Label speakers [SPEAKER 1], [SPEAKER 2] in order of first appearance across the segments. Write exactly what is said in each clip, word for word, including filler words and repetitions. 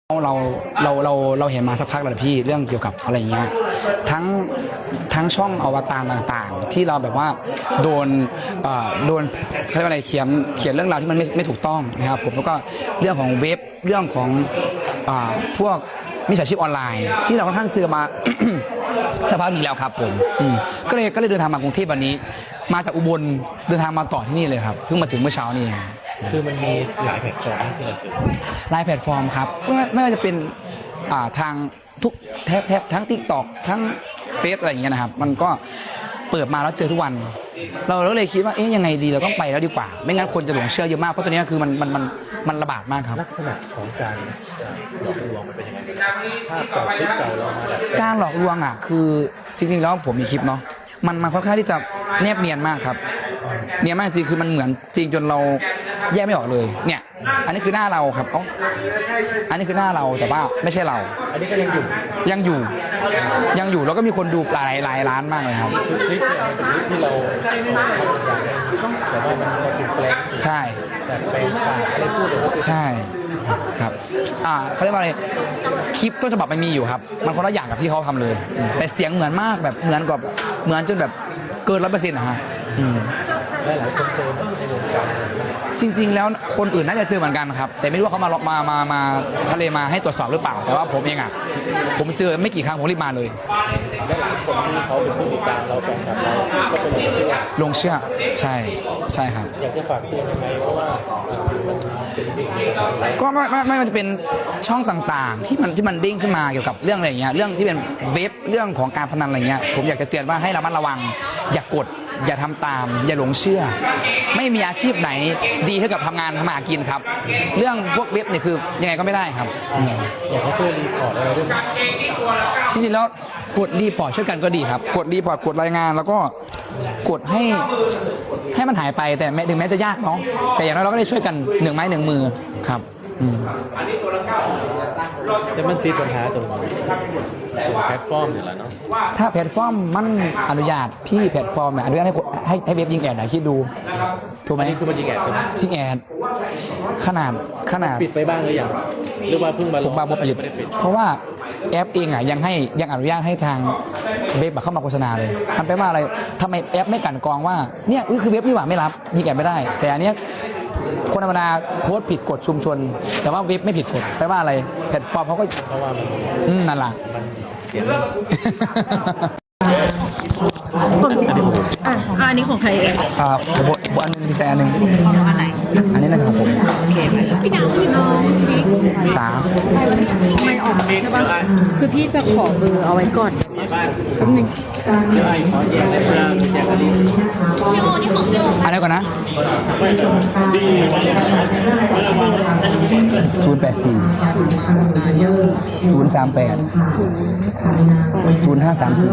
[SPEAKER 1] เราเราเราเราเห็นมาสักพักแล้วพี่เรื่องเกี่ยวกับอะไรเงี้ยทั้งทั้งช่องอวตารต่างๆที่เราแบบว่าโดนเอ่อโดนเขาเรียกว่าอะไรเขียนเขียนเรื่องราวที่มันไม่ไม่ถูกต้องนะครับผมแล้วก็เรื่องของเว็บเรื่องของอ่าพวกมิจฉาชีพออนไลน์ที่เราค่อนข้างเจอมา สักพักหนึ่งแล้วครับผมก็เลยก็เลยเดินทางมากรุงเทพวันนี้มาจากอุบลเดินทางมาต่อที่นี่เลยครับเพิ่งมาถึงเมื่อเช้านี้
[SPEAKER 2] คือมันมีหลายแพลตฟอร์มที่เราเจอ
[SPEAKER 1] หลายแพลตฟอร์มครับไม่ไม่ว่าจะเป็นอ่าทางทุกแทบแทบทั้ง ติ๊กต็อก ทั้งเฟซอะไรอย่างเงี้ยนะครับมันก็เปิดมาแล้วเจอทุกวันเราเราเลยคิดว่าเอ๊ะยังไงดีเราต้องไปแล้วดีกว่าไม่งั้นคนจะหลงเชื่อเยอะมากเพราะตัวนี้คือมันมันมันมันระบาดมากครับ
[SPEAKER 2] ลักษณะของการหลอกลวงมันเป็นยังไงภาพเก่าคลิปเก่าเรามาแบบ
[SPEAKER 1] การหลอกลวงอ่ะคือจริงๆแล้วผมมีคลิปเนาะมันมันค่อนข้างที่จะแนบเนียนมากครับเนียนมากจริงคือมันเหมือนจริงจนเราแยกไม่ออกเลยเนี่ยอันนี้คือหน้าเราครับอ๋ออันนี้คือหน้าเราแต่ว่าไม่ใช่เรา
[SPEAKER 2] อันนี้ก็ยังอยู่
[SPEAKER 1] ยังอยู่ยังอยู่แล้วก็มีคนดูหลายหลายล้านมากเลยครับ
[SPEAKER 2] คลิปเนี่ยเป็นคลิปที่เราแต่ว่ามันมาถูกแปลง
[SPEAKER 1] ใช่
[SPEAKER 2] แต่แปลงปากอะไรพูดเลย
[SPEAKER 1] ใช่ครับอ่าเขาเรียกว่าอะไรคลิปต้นฉบับมันมีอยู่ครับมันคนละอย่างกับที่เขาทำเลยแต่เสียงเหมือนมากแบบเหมือนกับเหมือนจนแบบเกินร้อยเปอร์เซ็นต์นะฮะ
[SPEAKER 2] หลายหลายคนเจอในวงการ
[SPEAKER 1] จริงๆแล้วคนอื่นน่าจะเจอเหมือนกันครับแต่ไม่รู้ว่าเขามาล็อกมามามาทะเลมาให้ตรวจสอบหรือเปล่าแต่ว่าผมเองอ่ะผมเจอไม่กี่ครั้งผมรีบมาเลย
[SPEAKER 2] และหลายคนที่เขาเป็นผู้ติดตามเราแฟนคลับเราก็เป็นหลงเชื่อ
[SPEAKER 1] ลงเชื่อใช่ใช่ครับ
[SPEAKER 2] อยากจะฝากเตือนยังไงเพราะว่าเป็นสิ่งที่
[SPEAKER 1] ก็ไม่ไม่ไม่มันจะเป็นช่องต่างๆที่มันที่มันดิ้งขึ้นมาเกี่ยวกับเรื่องอะไรอย่างเงี้ยเรื่องที่เป็นเว็บเรื่องของการพนันอะไรเงี้ยผมอยากจะเตือนว่าให้ระมัดระวังอย่ากดอย่าทำตามอย่าหลงเชื่อไม่มีอาชีพไหนดีเท่ากับทำงานทำมาหากินครับเรื่องพวกเว็บเนี่ยคือยังไงก็ไม่ได้ครับ
[SPEAKER 2] อยากให้ช่วยรีพอร์ตอะไรด้วย
[SPEAKER 1] จริงๆแล้วกดรีพอร์ตช่วยกันก็ดีครับกดรีพอร์ตกดรายงานแล้วก็กดให้ให้มันหายไปแต่ถึงแม้จะยากเนาะแต่อย่างน้อยเราก็ได้ช่วยกันหนึ่งไม้หนึ่งมือครับ
[SPEAKER 2] แต่มันติดปัญหาตรงแพลตฟอร์มนี่แหละเนาะ
[SPEAKER 1] ถ้าแพลตฟอร์มมันอนุญาตพี่แพลตฟอร์มเนี่ยอนุญาตให้ให้ให้เว็บยิงแอดหน่อยคิดดูถูกไหม
[SPEAKER 2] นี่คือมันยิงแอดใช่ไหม
[SPEAKER 1] ยิงแอดขนาดขนาด
[SPEAKER 2] ปิดไปบ้างหรือยังหรือว่าเพิ่งมา
[SPEAKER 1] ผมมาบ่ปิดเพราะว่าแอปเองอ่ะยังให้ยังอนุญาตให้ทางเว็บเข้ามาโฆษณาเลยมันแปลว่าอะไรทำไมแอปไม่กันกรองว่าเนี่ยคือเว็บนี่หว่าไม่รับยิงแอดไม่ได้แต่อันเนี้ยคนธรรมดาโพสต์ผิดกฎชุมชนแต่ว่าเว็บไม่ผิดกฎแปลว่าอะไรแพลตฟอร์มเขาก็
[SPEAKER 2] เพราะว่ามัน
[SPEAKER 1] อืมนั่นแหละ
[SPEAKER 2] เสียง
[SPEAKER 3] อ่ะอันนี้ของใครเอง
[SPEAKER 1] อ่าบทบทอันนึงมีแซนหนึ่ง
[SPEAKER 3] อันไหน
[SPEAKER 1] อันนี้นะครับผม
[SPEAKER 3] โอเคพี่นางพี่น้อง
[SPEAKER 1] จ๋า
[SPEAKER 3] ไม่ออกใช่ป่ะคือพี่จะขอเบอร์เอาไว้ก่อนแป๊บนึง
[SPEAKER 2] เดี๋ยวไอ้ขอแยกได้เพื่อแยกกันดี
[SPEAKER 3] พี่โอนี่ของพี่โอ
[SPEAKER 1] อันนี้ก่อนนะศูนย์แปดสี่ศูนย์สามแปดศูนย์ห้าสามสี่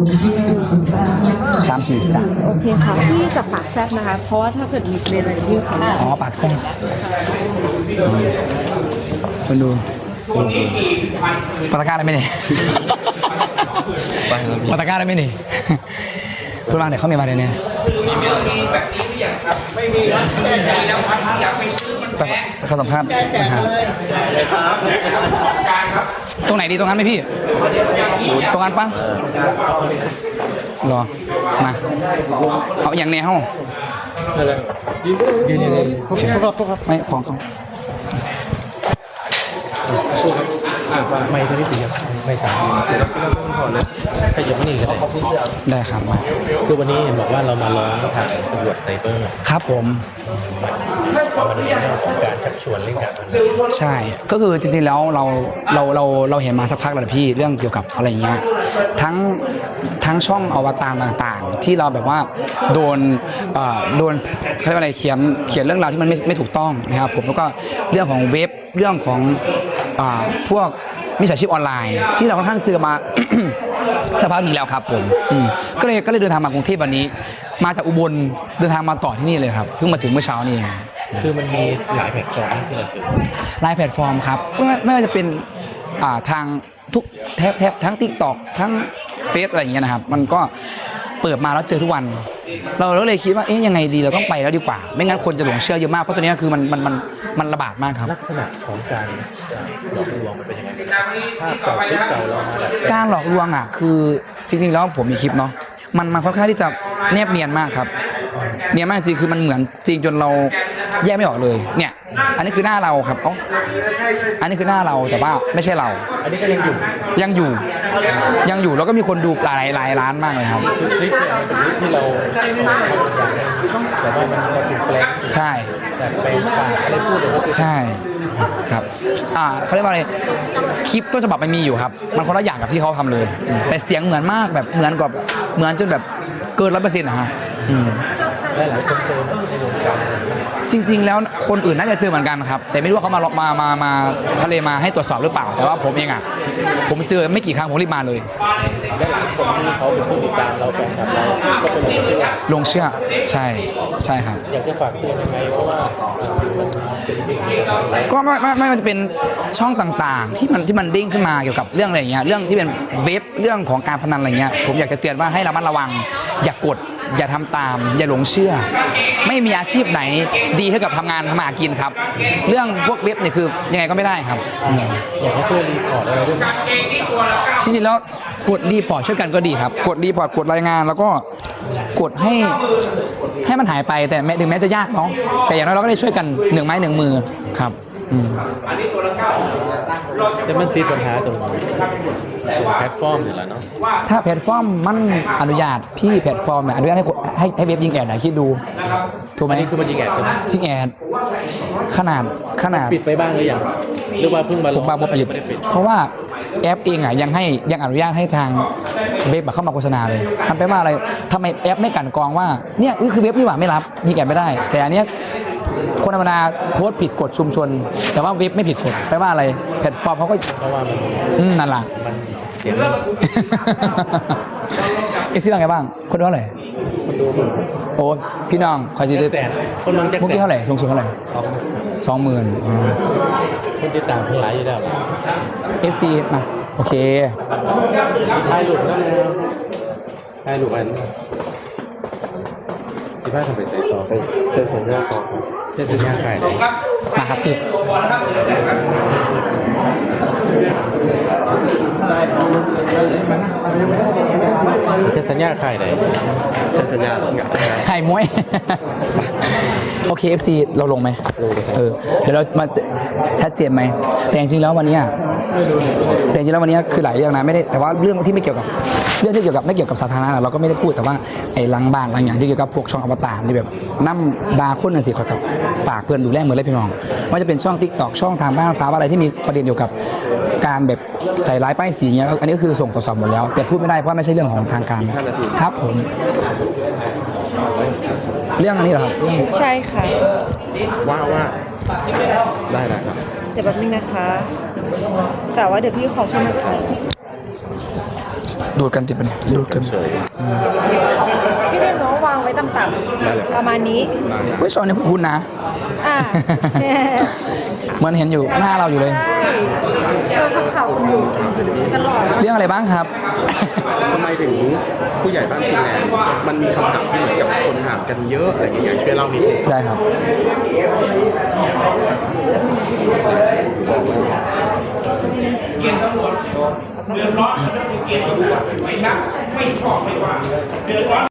[SPEAKER 1] สามสี่จ้ะ
[SPEAKER 3] โอเคค่ะพี่จะปากแซบนะคะเพราะว่าถ้าเกิดมีเรียนอะไรที่เขา
[SPEAKER 1] อ๋อปากแซบคนดูปตะกร้าได้ไหมเนี่ยปตะกร้าได้ไหมเนี่ยพูดมาเดี๋ยวเขามีมาเดี๋ยวนี้แต่เขาสัมภาษณ์นะครับตรงไหนดีตรงนั้นไหมพี่ตรงนั้นปะรอมาเอาอย่างเนี้ยเฮ้ายืนยืนยืนรอบๆไม่ของเขา
[SPEAKER 2] ไม่ตัวนี้สีครับไม่สามขยับนี่ก็ได้
[SPEAKER 1] ได้ครับมา
[SPEAKER 2] คือวันนี้เห็นบอกว่าเรามาร้องทางตำรวจไซเบอร์
[SPEAKER 1] ครับผม
[SPEAKER 2] มันเป็นเรื่องของการชักชวนเล่นการพนัน
[SPEAKER 1] ใช่ก็คือจริงๆแล้วเราเราเราเราเห็นมาสักพักแล้วพี่เรื่องเกี่ยวกับอะไรอย่างเงี้ยทั้งทั้งช่องอวตารต่างๆที่เราแบบว่าโดนโดนเขาเรียกว่าอะไรเขียนเขียนเรื่องราวที่มันไม่ไม่ถูกต้องนะครับผมแล้วก็เรื่องของเว็บเรื่องของพวกมิจฉาชีพออนไลน์ที่เราค่อนข้างเจอมาสักพักหนึ่งแล้วครับผมก็เลยก็เลยเดินทางมากรุงเทพวันนี้มาจากอุบลเดินทางมาต่อที่นี่เลยครับเพิ่งมาถึงเมื่อเช้านี้
[SPEAKER 2] คือมันมีหลายแพลตฟอร์มที่เราเจอ
[SPEAKER 1] หลายแพลตฟอร์มครับไม่ไม่ว่าจะเป็นทางทุกแทบแทบทั้ง ติ๊กต็อก ทั้งเฟซอะไรอย่างเงี้ยนะครับมันก็เปิดมาแล้วเจอทุกวันเราเราเลยคิดว่าเอ๊ะยังไงดีเราต้องไปแล้วดีกว่า ไม่งั้นคนจะหลงเชื่อเยอะมากเพราะตัวเนี้ยคือมันมันมันมันระบาดมากครับ
[SPEAKER 2] ลักษณะของการหลอกลวงมันเป็นยังไงภาพเก่าคลิปเก่าเรามาแบบ
[SPEAKER 1] การหลอกลวงอ่ะคือจริงๆแล้วผมมีคลิปเนาะมันมันค่อนข้างที่จะแนบเนียนมากครับเนียนมากจริงคือมันเหมือนจริงจนเราแยกไม่ออกเลยเนี่ยอันนี้คือหน้าเราครับเอ้าอันนี้คือหน้าเราแต่ว่าไม่ใช่เรา
[SPEAKER 2] อันนี้ก็ยังอยู่
[SPEAKER 1] ยังอยู่ยังอยู่แล้วก็มีคนดูหลายหลายล้านมากเลยครับ
[SPEAKER 2] คือคลิปเนี่ยมันเป็นคลิปที่เราแต่ว่ามันมาถูกแปลง
[SPEAKER 1] ใช่
[SPEAKER 2] แต่แปลงปากอะไรพูดเลยก็คือ
[SPEAKER 1] ใช่ครับอ่าเขาเรียกว่าอะไรคลิปต้นฉบับมันมีอยู่ครับมันคนละอย่างกับที่เขาทำเลย แต่เสียงเหมือนมากแบบเหมือนกับเหมือนจนแบบเกินร้อยเปอร์เซ็นต์นะฮะอืม
[SPEAKER 2] ได้หลายคนเจอในวงการ
[SPEAKER 1] จริงๆแล้วคนอื่นน่าจะเจอเหมือนกันครับแต่ไม่รู้ว่าเขามามามามาทะเลมาให้ตรวจสอบหรือเปล่าแต่ว่าผมเองอ่ะผมเจอไม่กี่ครั้งผมรีบมาเลย
[SPEAKER 2] ได้หลายคนที่เขาเป็นผู้ติดตามเราแฟนคลับเราก็เป็นหลงเชื่อ
[SPEAKER 1] ลงเชื่อใช่ใช่ครับ
[SPEAKER 2] อยากจะฝากเตือนยังไงเพราะว่าเอ่อมันเป็นสิ่งที่อะไร
[SPEAKER 1] ก็ไม่ไม่ไม่ว่าจะเป็นช่องต่างๆ ที่มันที่มันเด้งขึ้นมาเกี่ยวกับเรื่องอะไรอย่างเงี้ยเรื่องที่เป็นเว็บเรื่องของการพนันอะไรเงี้ยผมอยากจะเตือนว่าให้ระมัดระวัง อย่ากดอย่าทำตาม อย่าหลงเชื่อ ไม่มีอาชีพไหนดีเท่ากับทำงานทำมาหากินครับ เรื่องพวกเว็บเนี่ยคือยังไงก็ไม่ได้ครับอืม
[SPEAKER 2] อยากให้ช่วยรีพอร์ตอะไรด้วยไหม
[SPEAKER 1] จริงๆแล้วกดรีพอร์ตช่วยกันก็ดีครับ กดรีพอร์ตกดรายงานแล้วก็กดให้ให้มันหายไปแต่แม้ถึงแม้จะยากเนาะแต่อย่างน้อยเราก็ได้ช่วยกันหนึ่งไม้หนึ่งมือครับอืม
[SPEAKER 2] แต่มันติดปัญหาตรงตรงแพลตฟอร์มนี่แหละเนาะ
[SPEAKER 1] ถ้าแพลตฟอร์มมันอนุญาตพี่แพลตฟอร์มเนี่ยอนุญาตให้คนให้ให้เว็บยิงแอดหน่อยคิดดูถูกไหม
[SPEAKER 2] อันนี้คือมันยิงแอดใช่ไหม
[SPEAKER 1] ยิงแอดขนาดขนาด
[SPEAKER 2] ปิดไปบ้างหรือยังหรือว่าเพิ่งมาล
[SPEAKER 1] ผ
[SPEAKER 2] ง
[SPEAKER 1] มบางผมปิด
[SPEAKER 2] ไม่ได้ปิด
[SPEAKER 1] เพราะว่าแอปเองอ่ะยังให้ยังอนุญาตให้ทางเว็บเข้ามาโฆษณาเลยมันแปลว่าอะไรทำไมแอปไม่กลั่นกรองว่าเนี่ยนี่คือเว็บนี่หว่าไม่รับยิงแอดไม่ได้ แต่อันเนี้ยคนธรรมดาโพสต์ผิดกฎชุมชน แต่ว่าเว็บไม่ผิดกฎแปลว่าอะไรแพลตฟอร์มเขาก็
[SPEAKER 2] เพราะว่ามัน
[SPEAKER 1] อืมนั่นแหละ
[SPEAKER 2] มันเสียงเงิน
[SPEAKER 1] เอ็กซี่ว่าไงบ้าง คนดูเท่าไหร่
[SPEAKER 2] คนดูคน
[SPEAKER 1] โอ้พี่น้องคอยจี
[SPEAKER 2] แจ็คแสนคนเมืองแจ็ค
[SPEAKER 1] มุก
[SPEAKER 2] แส
[SPEAKER 1] ที่
[SPEAKER 2] น
[SPEAKER 1] เท่าไหร่สูงสุดเท่าไหร่
[SPEAKER 2] สอง
[SPEAKER 1] สองหมื่น
[SPEAKER 2] คนติดตามทั้งหลายอยู่แล้ว
[SPEAKER 1] เอฟซีมาโอเค
[SPEAKER 2] ถ่ายรูปนั่นนะครับถ่ายรูปอันที่บ้านทำไปใส่ต่อไปเส้นสัญญาต่อครับเส้นสัญญาขายไหน
[SPEAKER 1] มาครับพี่
[SPEAKER 2] เส้นสัญญาขายไหนเส้นสัญญาสัญญา
[SPEAKER 1] ไข่มวย โอเค เอฟ ซี เราลงไหม
[SPEAKER 2] ลงเลยครับ
[SPEAKER 1] เออเดี๋ยวเรามาจะชัดเจนไหมแต่จริงๆแล้ววันเนี้ยแต่จริงๆแล้ววันเนี้ยคือหลายเรื่องนะไม่ได้แต่ว่าเรื่องที่ไม่เกี่ยวกับเรื่องที่เกี่ยวกับไม่เกี่ยวกับสาธารณะเราก็ไม่ได้พูดแต่ว่าไอ้หลังบ้านหลังอย่างที่เกี่ยวกับพวกช่องอวตารที่แบบน้ำดาคนน่ะสิขอกับฝากเพื่อนดูแลเหมือนเลยพี่น้องว่าจะเป็นช่อง ติ๊กต็อก ช่องทางบ้านฟ้าอะไรที่มีประเด็นเกี่ยวกับการแบบใส่ร้ายป้ายสีเงี้ยอันนี้ก็คือส่งตรวจสอบหมดแล้ว แต่พูดไม่ได้เพราะไม่ใช่เรื่องของทางการครับผมเรื่องอันนี้เหรอครับเรื่อง
[SPEAKER 3] ใช่ค่ะ
[SPEAKER 2] ว่าว่าได้ได้ครับ
[SPEAKER 3] เดี๋ยวแป๊บนึงนะคะ แต่ว่าเดี๋ยวพี่ขอช่วยนะคะ
[SPEAKER 1] ดูดกันติดไปเนี่ยดูดกัน
[SPEAKER 3] พี่เรียนน้องวางไว้ต่ำๆประมาณนี้
[SPEAKER 1] เว้ยชอนเนี่ยคุณนะ
[SPEAKER 3] อ่า
[SPEAKER 1] เหมือนเห็นอยู่หน้าเราอยู่เลย
[SPEAKER 3] ใช่เราทำข่าวอยู่ตลอด
[SPEAKER 1] เรื่องอะไรบ้างครับ
[SPEAKER 4] ทำไมถึงผู้ใหญ่บ้านฟินแลนด์มันมีคำถามที่เหมือนกับคนถามกันเยอะอะไรอย่างเงี้ยช่วยเล่านิดนึง
[SPEAKER 1] ได้ครับ
[SPEAKER 5] เกณฑ์ตำรวจเดือดร้อนเขาจะมีเกณฑ์ตำรวจไม่นับไม่ชอบไม่ว่าเดือดร้อน